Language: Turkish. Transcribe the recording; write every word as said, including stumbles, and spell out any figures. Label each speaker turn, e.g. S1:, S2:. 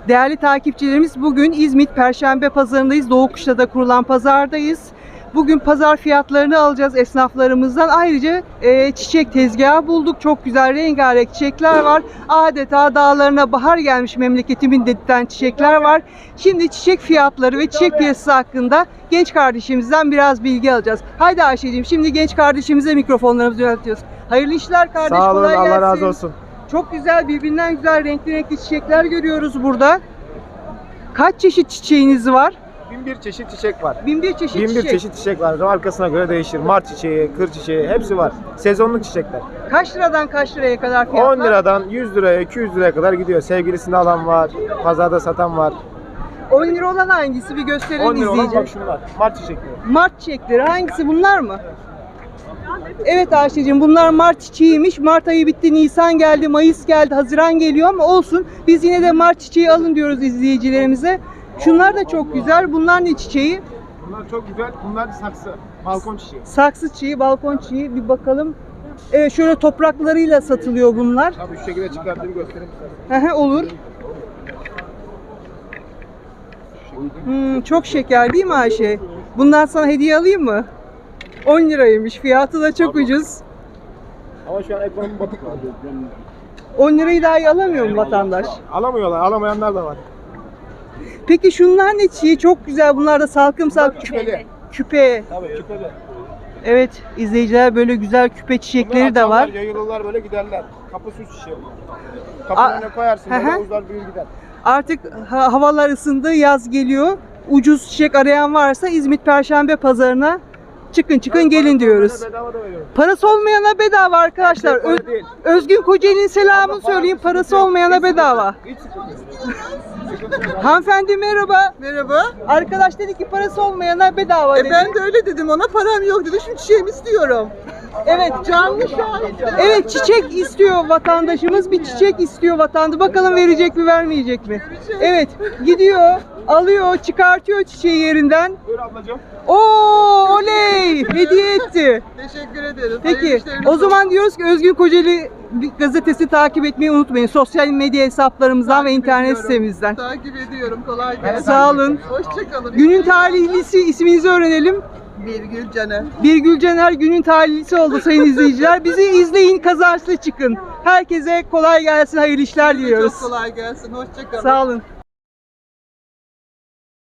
S1: Değerli takipçilerimiz, bugün İzmit Perşembe Pazarı'ndayız. Doğukuşla'da kurulan pazardayız. Bugün pazar fiyatlarını alacağız esnaflarımızdan. Ayrıca e, çiçek tezgahı bulduk. Çok güzel rengarenk çiçekler var. Adeta dağlarına bahar gelmiş memleketimin dedikten çiçekler var. Şimdi çiçek fiyatları ve çiçek piyasası hakkında genç kardeşimizden biraz bilgi alacağız. Haydi Ayşe'ciğim, şimdi genç kardeşimize mikrofonlarımızı yöneltiyoruz. Hayırlı işler kardeş,
S2: sağ olun,
S1: kolay gelsin.
S2: Allah razı olsun.
S1: Çok güzel, birbirinden güzel renkli renkli çiçekler görüyoruz burada. Kaç çeşit çiçeğiniz var?
S2: Bin bir çeşit çiçek var.
S1: Bin bir çeşit
S2: Bin bir
S1: çiçek.
S2: çeşit çiçek var. Markasına göre değişir. Mart çiçeği, kır çiçeği hepsi var. Sezonluk çiçekler.
S1: Kaç liradan kaç liraya kadar fiyatlar?
S2: on liradan yüz liraya, iki yüz liraya kadar gidiyor. Sevgilisini alan var. Pazarda satan var.
S1: on lira olan hangisi, bir gösterelim
S2: on lira olan
S1: izleyiciler.
S2: bak şunlar. Mart çiçekleri.
S1: Mart çiçekleri hangisi, bunlar mı? Evet Ayşe'cim, bunlar Mart çiçeğiymiş. Mart ayı bitti, Nisan geldi, Mayıs geldi, Haziran geliyor ama olsun. Biz yine de Mart çiçeği alın diyoruz izleyicilerimize. Şunlar da çok güzel. Bunlar ne çiçeği?
S2: Bunlar çok güzel. Bunlar saksı. Balkon çiçeği.
S1: Saksı çiçeği, balkon çiçeği. Bir bakalım. Evet, şöyle topraklarıyla satılıyor bunlar.
S2: Tabii şu şekilde çıkarttığımı göstereyim size.
S1: Hı hı, olur. Hmm, çok şeker değil mi Ayşe? Bundan sana hediye alayım mı? on liraymış. Fiyatı da çok ucuz.
S2: Ama şu an ekonomi batık.
S1: on lirayı dahi alamıyor mu vatandaş?
S2: Alamıyorlar. Alamayanlar da var.
S1: Peki şunlar ne çiçeği? Çok güzel. Bunlar da salkım salkım.
S2: Küpeli.
S1: Küpe.
S2: Tabii küpeli.
S1: Evet izleyiciler, böyle güzel küpe çiçekleri
S2: Bunlar
S1: de var.
S2: açarlar, yayılırlar, böyle giderler. Kapı süs çiçeği. Kapının
S1: Aa,
S2: önüne koyarsın,
S1: hı hı.
S2: böyle uzar büyür gider.
S1: Artık ha- havalar ısındı, yaz geliyor. Ucuz çiçek arayan varsa İzmit Perşembe Pazarı'na çıkın çıkın gelin diyoruz.
S2: Bedava da veriyorum.
S1: Parası olmayana bedava arkadaşlar.
S2: Para
S1: Ö-
S2: değil.
S1: Özgün Kocaeli'nin selamını söyleyeyim. Parası olmayana bedava.
S2: Hiç sıkıntı yok. Sıkıntı yok.
S1: Hanımefendi merhaba.
S3: Merhaba.
S1: Arkadaş dedi ki parası olmayana bedava
S3: E
S1: dedi.
S3: ben de öyle dedim ona, param yok dedi, şu çiçeğimi istiyorum.
S1: Evet.
S3: Canlı şahit.
S1: Evet, çiçek istiyor vatandaşımız. Bir çiçek istiyor vatandaş. Bakalım verecek mi, vermeyecek mi?
S3: Verecek.
S1: Evet, gidiyor, alıyor, çıkartıyor çiçeği yerinden.
S2: Buyur ablacığım.
S1: Oo, oley! Hediye etti.
S3: Teşekkür ederim.
S1: Peki,
S3: Hayırlı işleriniz
S1: o
S3: olsun.
S1: zaman diyoruz ki Özgün Kocaeli gazetesi takip etmeyi unutmayın. Sosyal medya hesaplarımızdan
S3: Takip
S1: ve internet
S3: ediyorum.
S1: sitemizden.
S3: Takip ediyorum. Kolay gelsin.
S1: Sağ olun.
S3: Hoşçakalın.
S1: Günün talihlisi, isminizi öğrenelim.
S3: Birgül Caner.
S1: Birgül Caner günün talihlisi oldu sayın izleyiciler. Bizi izleyin, kazançlı çıkın. Herkese kolay gelsin, hayırlı işler diliyoruz.
S3: Çok kolay gelsin. Hoşçakalın.
S1: Sağ olun.